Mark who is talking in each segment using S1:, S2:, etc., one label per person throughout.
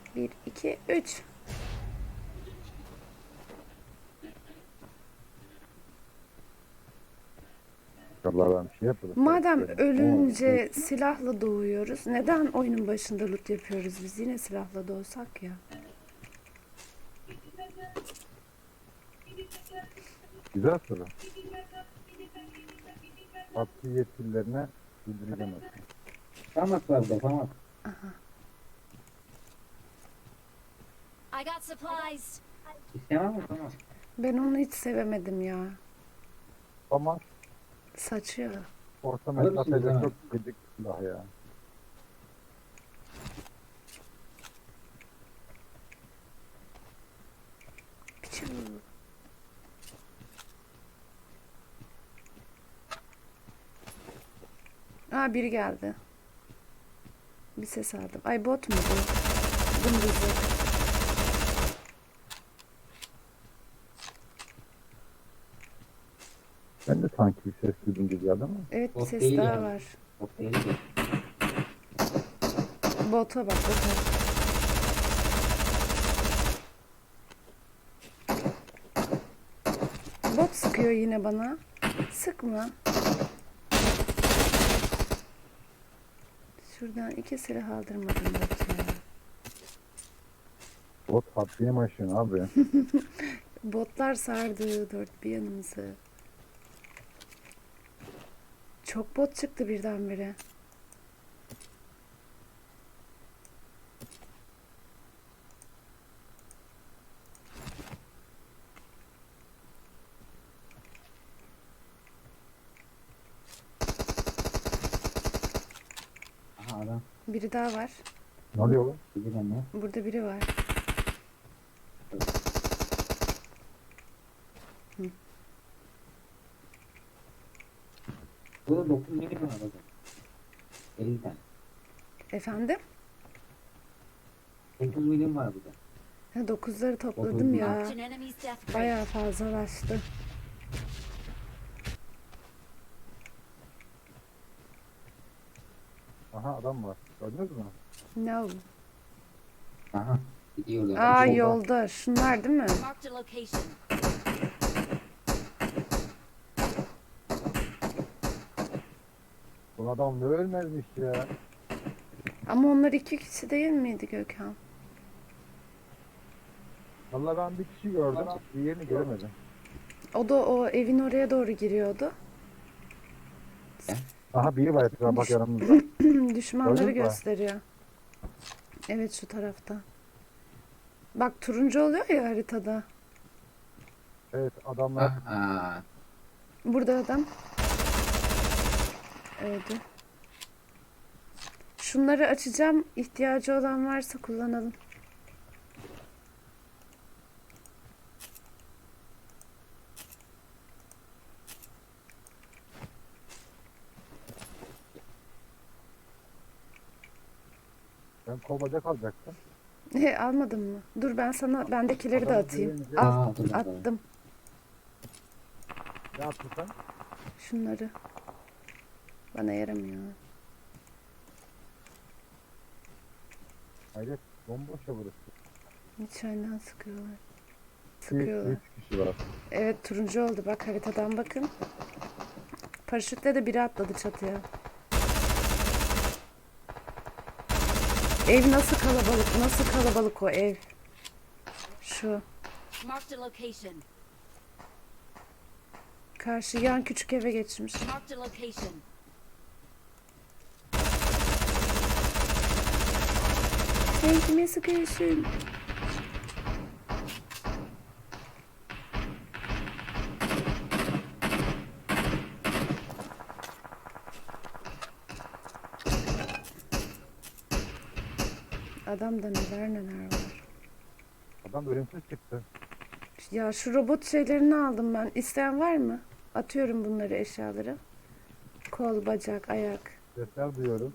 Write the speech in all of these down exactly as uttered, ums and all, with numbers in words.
S1: Bir, iki, üç.
S2: Allah ben bir şey yapmadım.
S1: Madem
S2: Benim.
S1: ölünce silahla doğuyoruz, neden oyunun başında loot yapıyoruz biz? Yine silahla doğsak ya.
S2: Güzel soru. Hakkı yetkililerine bildireceğim aslında.
S3: Famas var burada, famas.
S4: I got supplies.
S3: İstemem mi famas?
S1: Ben onu hiç sevemedim ya.
S2: Ama
S1: Saçıyor.
S2: orta
S3: Alır mısınız
S2: mesafede
S3: hemen?
S2: çok gıcık silah ya.
S1: Piçu. Aa, biri geldi. Bir ses aldım. Ay, bot mu bu? Dımdızı.
S2: Ben de sanki bir ses duydum gibi geldi ama.
S1: Evet, bir
S3: Bot
S1: ses
S3: değil
S1: daha
S3: yani.
S1: var.
S3: Çok değil de.
S1: Bota bak, bota. Bot sıkıyor yine bana. Sıkma. Şuradan iki silah aldırmadım bot ya.
S2: Bot haddini mi aşıyorsun abi?
S1: Botlar sardı dört bir yanımızı. Çok bot çıktı birdenbire.
S3: Aha adam.
S1: Biri daha var.
S2: Ne oluyor oğlum?
S3: Bizi ben ne?
S1: Burada biri var.
S3: Burada dokuz milim var burada. elli tane.
S1: Efendim?
S3: dokuz milim var burada.
S1: Ha, dokuzları topladım
S3: Dokuz
S1: ya.
S4: Marked an enemy's death crate.
S1: Bayağı fazlalaştı.
S2: Aha adam var. Gördünüz mü?
S1: No.
S3: Aha. Gidiyorlar.
S1: Aa,
S2: Solda.
S1: yolda. Şunlar değil mi?
S4: Marked a location.
S2: Bu adam ne ölmezmiş ya.
S1: Ama onlar iki kişi değil miydi Gökhan?
S2: Vallahi ben bir kişi gördüm. Diğerini göremedim.
S1: O da o evin oraya doğru giriyordu.
S2: Aha biri var etrafa bak yanımızda.
S1: Düşmanları
S2: Gördün mü?
S1: gösteriyor. Evet, şu tarafta. Bak, turuncu oluyor ya haritada.
S2: Evet adamlar.
S3: Aa.
S1: Burada adam. Öldü. Şunları açacağım. İhtiyacı olan varsa kullanalım.
S2: Ben kol bacak alacaktım.
S1: He, almadın mı? Dur, ben sana bendekileri de
S2: Adamı
S1: atayım.
S2: görünce-
S1: Al,
S3: Aa, dur, dur.
S1: attım
S2: Ne yaptın sen?
S1: şunları. Bana yaramıyor.
S2: Hayret bomboş ya burası.
S1: İçeriden sıkıyorlar.
S2: İki,
S1: Sıkıyorlar.
S2: üç kişi var.
S1: Evet, turuncu oldu. Bak, haritadan bakın. Paraşütle de biri atladı çatıya. Ev nasıl kalabalık? Nasıl kalabalık o ev? Şu.
S4: Marked a location.
S1: Karşı yan küçük eve geçmiş.
S4: Marked a location.
S1: Sen kime sıkıyorsun? Adamda neler neler var.
S2: Adam ölümsüz çıktı.
S1: Ya, şu robot şeylerini aldım ben. İsteyen var mı? Atıyorum bunları, eşyaları. Kol, bacak, ayak.
S2: Sesler duyuyorum.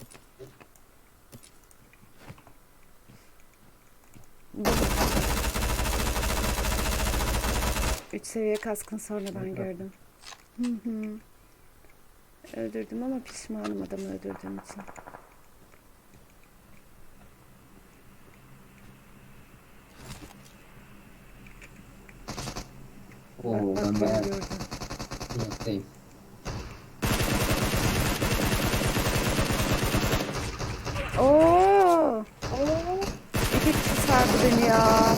S1: Üç seviye kaskın sonradan gördüm. Hı hı. Öldürdüm ama pişmanım adamı öldürdüğüm için.
S3: Oo
S1: Bak
S3: ben
S1: bak
S3: bayağı
S1: beni gördüm.
S3: uzaktayım.
S1: Oo! İki kişi sardı beni ya.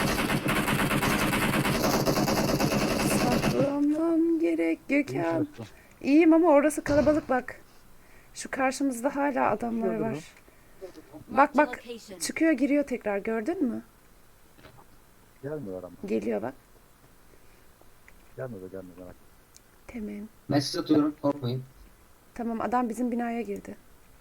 S1: Saklamam gerek
S2: İyi
S1: Gökhan.
S2: çalıştın.
S1: İyiyim ama orası kalabalık bak. Şu karşımızda hala adamlar
S2: Gördün mü?
S1: var. Bak
S4: Marked a
S1: bak
S4: location.
S1: çıkıyor giriyor tekrar gördün mü?
S2: Gelmiyor ama.
S1: Geliyor bak.
S2: Gelmiyor da gelmiyor. Merak etme.
S1: Tamam.
S3: Ben size atıyorum korkmayın.
S1: Tamam adam bizim binaya girdi.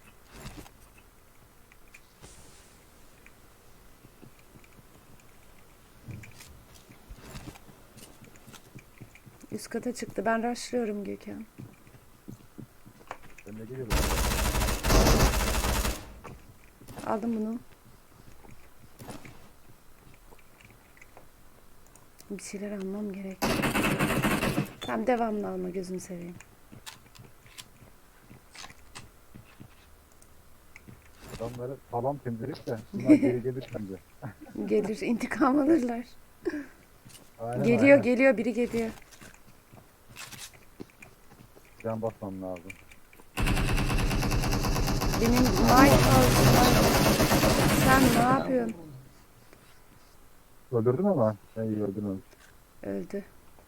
S1: Üst kata çıktı. Ben rushlıyorum Gökhan.
S2: Ben de geliyorum.
S1: Aldım bunu. Bir şeyler almam gerek. Tamam devamlı alma gözünü seveyim.
S2: Adamları sağlam temizledik de bunlar geri gelir şimdi.
S1: Gelir intikam alırlar.
S2: Aynen,
S1: Geliyor
S2: aynen.
S1: geliyor biri geliyor.
S2: Can basmam lazım.
S1: Benim Lighthouse var. Sen ne yapıyorsun?
S2: Öldürdün ama. Ben iyi öldürmemiş.
S1: Öldü.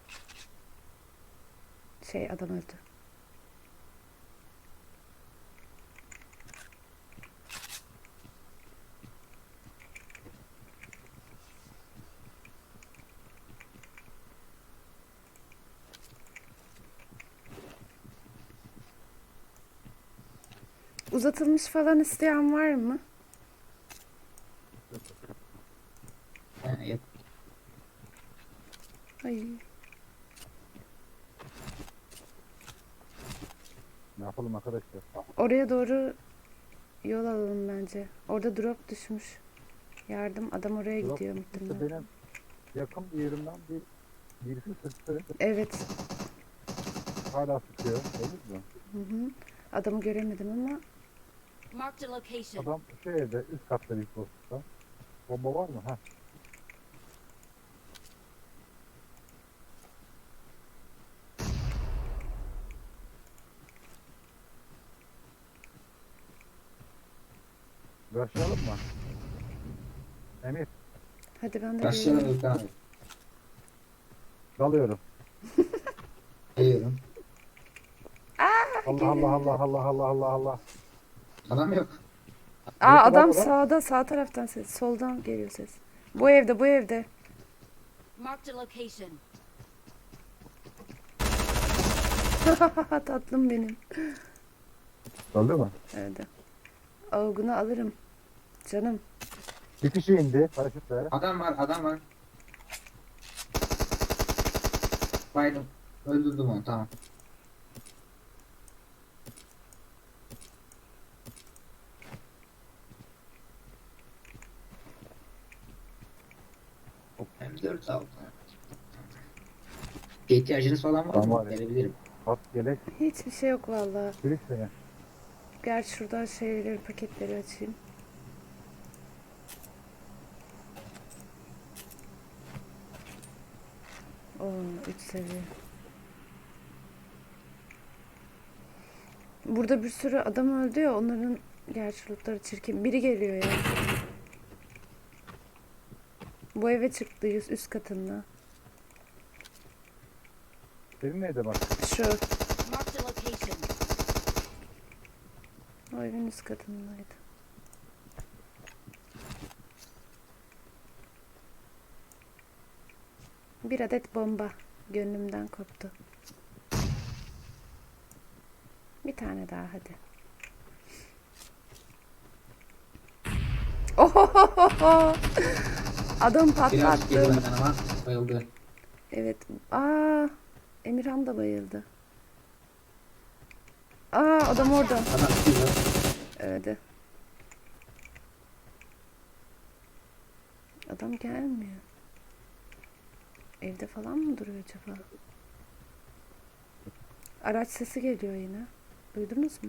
S1: Şey adam öldü. Uzatılmış falan isteyen var mı?
S3: Ha, yok.
S1: Ay.
S2: Ne yapalım arkadaşlar?
S1: Oraya doğru yol alalım bence. Orada drop düşmüş. Yardım adam oraya
S2: Drop
S1: gidiyor
S2: İşte
S1: muhtemelen.
S2: benim yakın bir yerimden bir birisi sıktı.
S1: Evet.
S2: Hala sıkıyor. Değil mi?
S1: Hı hı. Adamı göremedim ama
S4: Marked a location.
S2: Adam şu evde üst katta bir postta. Bomba var mı? Ha. Başlayalım mı? Emir,
S1: hadi ben de
S3: Başlayalım
S1: geliyorum.
S3: Gökhan abi.
S2: dalıyorum.
S3: Geliyorum.
S2: Allah Allah Allah Allah Allah Allah Allah.
S3: Adam yok.
S1: Aa
S2: Neresi
S1: adam
S2: var burada?
S1: sağda sağ taraftan ses. Soldan geliyor ses. Bu evde bu evde.
S4: Marked a location.
S1: Tatlım benim.
S2: Dalıyor mu?
S1: Öyle. Avgunu alırım. Canım.
S2: Bir kişi indi paraşütle.
S3: Adam var adam var. Baydım. Öldürdüm onu tamam. M dört aldım. Bir ihtiyacınız falan var
S2: Tamam
S3: mı?
S2: abi.
S3: Verebilirim.
S2: Bak gelek.
S1: Hiçbir şey yok vallahi.
S2: Kilit seni.
S1: Gel şuradan şeyleri paketleri açayım. Oo üç seviye. Burada bir sürü adam öldü ya onların gerçi lootları çirkin. Biri geliyor ya. Bu eve çıktı yüz üst katında.
S2: Senin neydi bak?
S1: Şu.
S4: Marked a location.
S1: O evin üst katındaydı. Bir adet bomba gönlümden koptu. Bir tane daha hadi. Ohohoho! Adam
S3: Biraz geri
S1: patlattı.
S3: benden ama bayıldı.
S1: Evet. Aa, Emirhan da bayıldı. Aa, adam orada.
S3: Adam çıkıyor.
S1: Öldü. Adam gelmiyor. Evde falan mı duruyor acaba? Araç sesi geliyor yine. Duydunuz mu?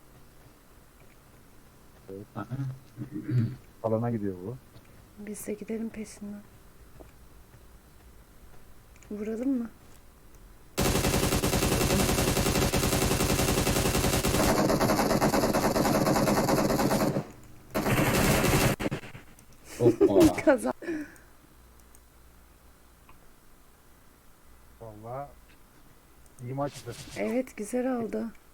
S3: Aa,
S2: Alana gidiyor bu.
S1: Biz de gidelim peşinden. Vuralım mı?
S3: Hoppa.
S1: Kazan.
S2: Vallahi iyi maçtı.
S1: Evet güzel oldu.